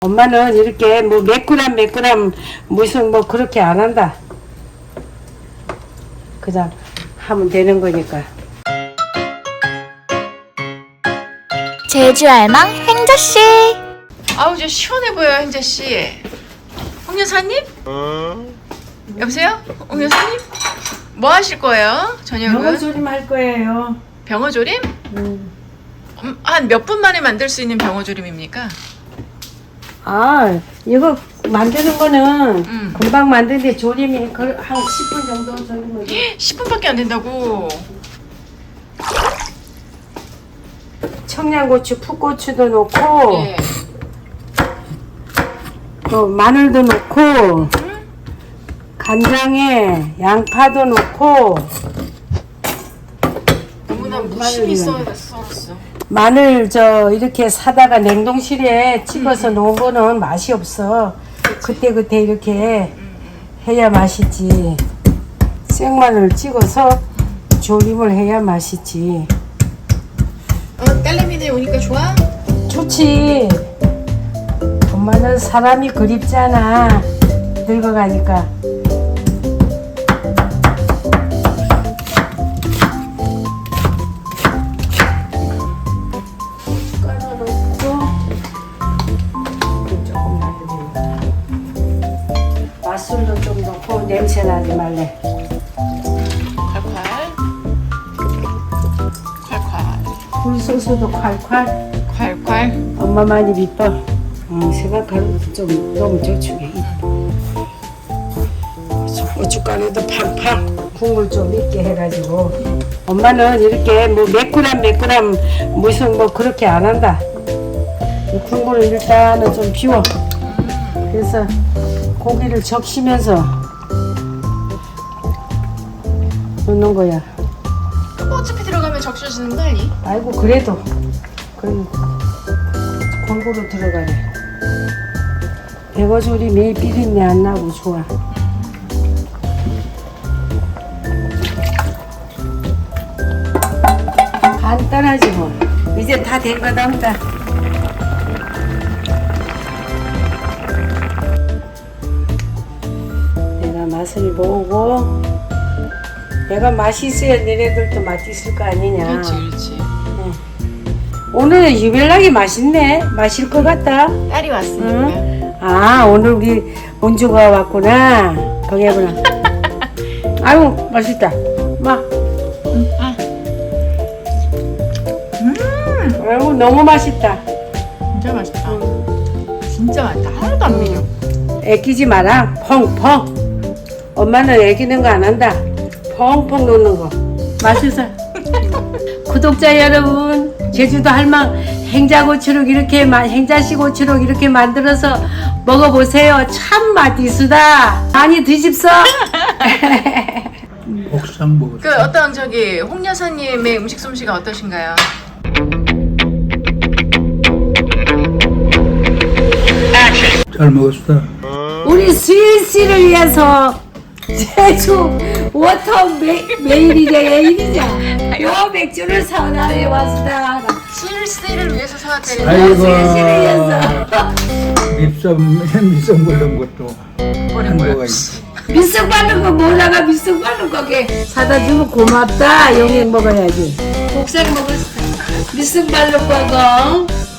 엄마는 이렇게 뭐 몇 그램 무슨 뭐 그렇게 안 한다. 그냥 하면 되는 거니까. 제주 알망 행자씨. 아우 저 시원해 보여요 행자씨. 홍 여사님? 여보세요? 홍 여사님? 뭐 하실 거예요? 저녁은? 병어조림 할 거예요. 병어조림? 한 몇 분 만에 만들 수 있는 병어조림입니까? 아, 이거 만드는 거는 금방 만드는데 조림이 한 10분 정도 조림을. 10분밖에 안 된다고. 청양고추, 풋고추도 넣고 예. 또 마늘도 넣고 간장에 양파도 넣고 너무나 무심히 썰었어. 마늘 이렇게 사다가 냉동실에 찍어서 놓은 거는 맛이 없어. 그때 이렇게 해야 맛있지. 생마늘 찍어서 조림을 해야 맛있지. 딸내미네 오니까 좋아? 좋지. 엄마는 사람이 그립잖아. 늙어가니까. 맛술도 좀 넣고 냄새 나지 말래. 콸콸. 굴소스도 콸콸. 콸콸. 엄마만이 비법. 생각하면 좀 너무 저축해. 고춧가루도 팡팡. 국물 좀 있게 해가지고. 엄마는 이렇게 뭐 몇 그램 무슨 뭐 그렇게 안 한다. 이 국물을 일단은 좀 비워. 그래서 고기를 적시면서 넣는 거야. 뭐 어차피 들어가면 적셔지는 거 아니? 아이고 그래도 골고루 들어가네. 백어조림이 비린내 안 나고 좋아. 간단하지 뭐. 이제 다 된 거다. 내가 맛을 보고 내가 맛이 있어야 너네들도 맛있을 거 아니냐. 그렇지. 오늘은 유별나게 맛있네. 맛있을 것 같다. 딸이 왔으니까. 응? 아, 오늘 우리 원주가 왔구나. 거기구나. 아유, 맛있다. 마. 아이고, 너무 맛있다. 진짜 맛있다. 진짜 맛있다. 하나도 안 밀려. 애끼지 마라. 펑펑. 엄마는 애기는 거 안 한다. 펑펑 넣는 거. 맛있어. 구독자 여러분, 제주도 할망 행자고추록 이렇게 행자씨고추록 이렇게 만들어서 먹어보세요. 참 맛있으다. 많이 드십소. 옥상 먹었어. 그 어떤 홍 여사님의 음식 솜씨가 어떠신가요? 잘 먹었어. 우리 수일 씨를 위해서 제주 워터 메일이냐 요 맥주를 사나에 왔다. 실세를 위해서 사왔다는 아이고. 수일 씨를 위해서 밑성 걸른 것도 버린 거야. 한거가 있어. 미쓱 바른 거 몰라가 미쓱 바른 거게 사다 주면 고맙다. 용액 먹어야지. 곡생 먹을 미쓱 바른 거고.